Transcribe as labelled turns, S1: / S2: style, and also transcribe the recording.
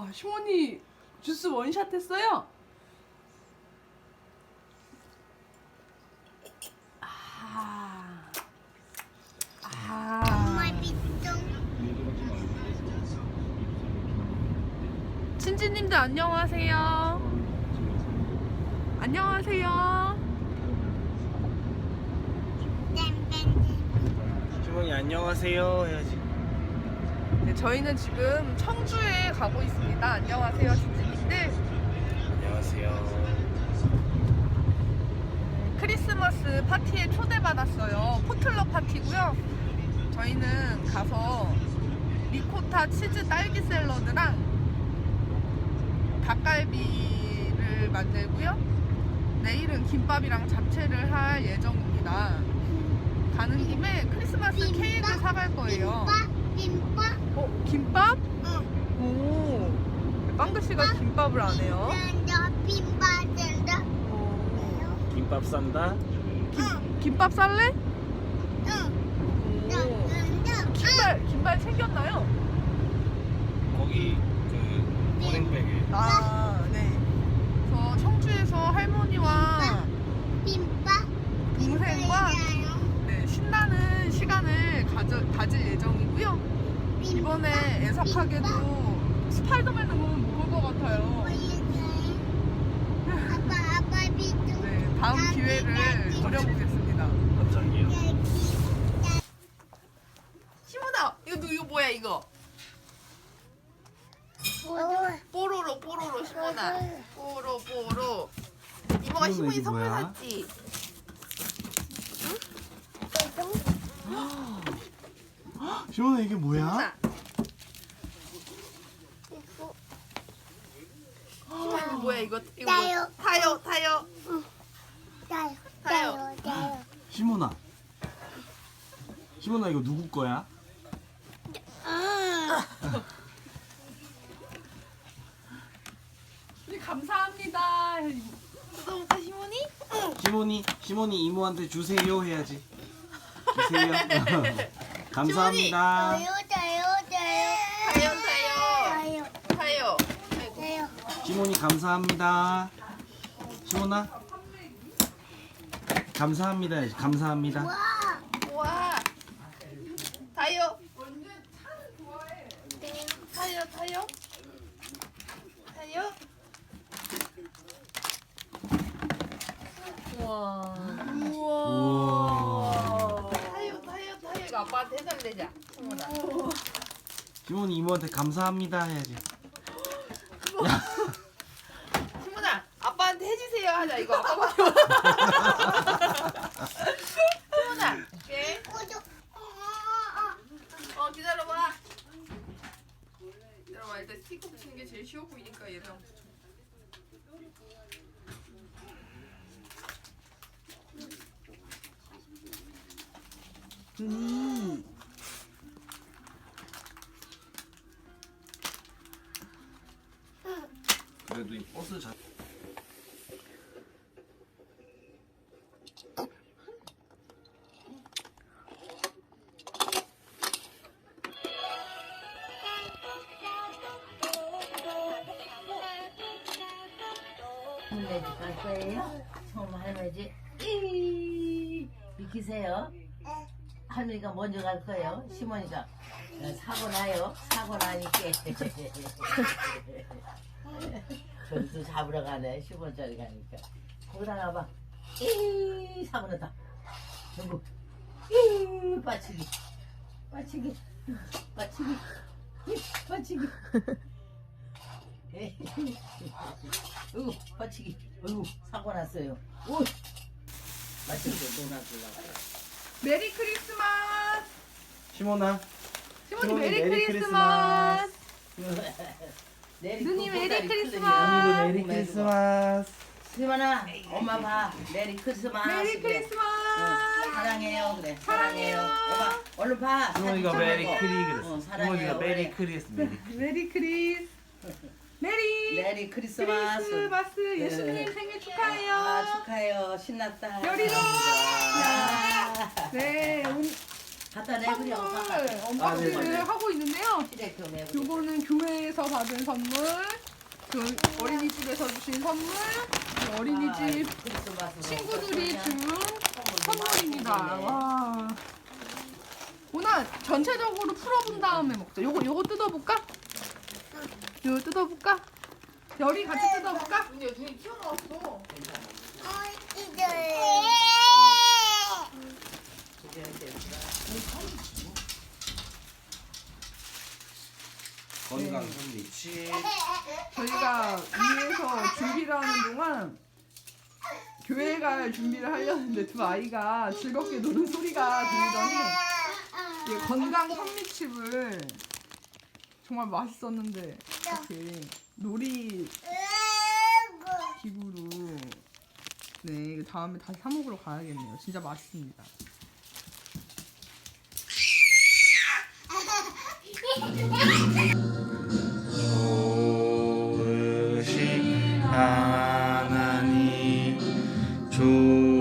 S1: 와, 시몬이 주스 원샷 했어요?
S2: 엄마 밑동.
S1: 친지님들 안녕하세요. 안녕하세요.
S2: 땡땡.
S3: 시몬이 안녕하세요 해야지.
S1: 네, 저희는 지금 청주에 가고 있습니다. 안녕하세요, 친지님들.
S3: 안녕하세요.
S1: 크리스마스 파티에 초대받았어요. 포틀러 파티고요. 저희는 가서 리코타 치즈 딸기 샐러드랑 닭갈비를 만들고요. 내일은 김밥이랑 잡채를 할 예정입니다. 가는 김에 크리스마스 케이크를 사갈 거예요.
S2: 김밥?
S1: 김밥?
S2: 응.
S1: 오, 빵글 씨가 김밥을 안 해요.
S2: 김밥 된다.
S3: 김밥 싼다.
S1: 김밥 살래?
S2: 응.
S1: 오, 김발 챙겼나요?
S3: 거기 그 보냉백에.
S1: 아, 네. 저 청주에서 할머니와
S2: 김밥.
S1: 동생과 네, 신나는 시간을 가질 예정이고요. 이번에 애석하게도 스파이더맨을 보면 못 볼 것 같아요.
S2: 아빠 밑동.
S1: 네, 다음 기회를 노려보겠습니다.
S3: 깜짝이야.
S1: 시모나, 이거 뭐야 이거? 뽀로로 시모나. 뽀로. 이모가 시모이
S3: 이게
S1: 선물
S3: 뭐야?
S1: 샀지.
S3: 시몬아 이게 뭐야?
S1: 시모나. 이거 뭐야 이거?
S2: 타요.
S1: 타요.
S2: 다요.
S3: 시몬아. 시몬아 이거 누구 거야?
S1: 감사합니다. 뜯어볼까 시모니?
S3: 시몬이 이모한테 주세요 해야지. 주세요. 감사합니다. 타요. 시몬이 감사합니다. 시몬아. 감사합니다 해야지. 감사합니다.
S1: 와. 타요. 타요. 우와. 타요. 이거 아빠한테 해달래자. 시모나.
S3: 시몬이 이모한테 감사합니다 해야지.
S1: 시모나, 아빠한테 해주세요 하자. 이거 아빠한테. 시모나, 오케이. 기다려봐. 일단 스티커 붙이는 게 제일 쉬워 보이니까 얘랑 붙여.
S3: 그래도 이 버스 잘.
S4: 할매지 갈 거예요? 정말 할매지? 비키세요. 할머니가 먼저 갈 거예요. 시몬이가 사고 나요. 사고 나니까 저기서 잡으러 가네. 10원짜리 가니까 거기다 가봐. 사고 났다. 누구? 빠치기. 어이구 빠치기. 어이구 사고 났어요. 오 빠치기 놀아주려고.
S1: 메리 크리스마스.
S3: 시몬아.
S1: 시모니
S3: 시모니
S1: 메리
S3: 메리
S1: 크리스마스.
S4: 내리
S1: 누님
S4: 그
S1: 메리
S4: 보따리
S1: 크리스마스.
S4: 클릭이야.
S3: 메리 크리스마스.
S4: 시몬아 엄마 봐. 메리 크리스마스.
S1: 메리
S4: 그래.
S1: 크리스마스.
S4: 사랑해요. 그래.
S1: 사랑해요.
S4: 엄마 얼른 봐.
S3: 시몬이가
S4: 사진
S3: 메리
S4: 찍어줘.
S3: 크리 그랬어.
S4: 사랑해요.
S3: 시몬이가 메리
S4: 그래.
S3: 크리스.
S1: 메리 크리스.
S4: 메리 크리스마스.
S1: 크리스마스. 예수님
S4: 네.
S1: 생일 축하해요.
S4: 아 축하해요. 신났다.
S1: 열이로.
S4: 야.
S1: 네,
S4: 갖다 내
S1: 선물
S4: 그래 엄마가
S1: 언박싱을
S3: 네네.
S1: 하고 있는데요.
S4: 시댁 좀 해.
S1: 요거는 교회에서 받은 선물, 그 어린이집에서 주신 선물, 그 어린이집 친구들이 준 선물입니다. 와. 오나 전체적으로 풀어본 다음에 먹자. 요거 뜯어볼까? 요거 뜯어볼까? 별이 같이 뜯어볼까? 근데 눈이 튀어나왔어.
S3: 건강 현미치.
S1: 저희가 위에서 준비를 하는 동안 교회 갈 준비를 하려는데 두 아이가 즐겁게 노는 소리가 들리더니 이 건강 현미칩을 정말 맛있었는데 이렇게 놀이 기구로 네 다음에 다시 사 먹으러 가야겠네요. 진짜 맛있습니다.
S3: 좋으신 하나님 좋으신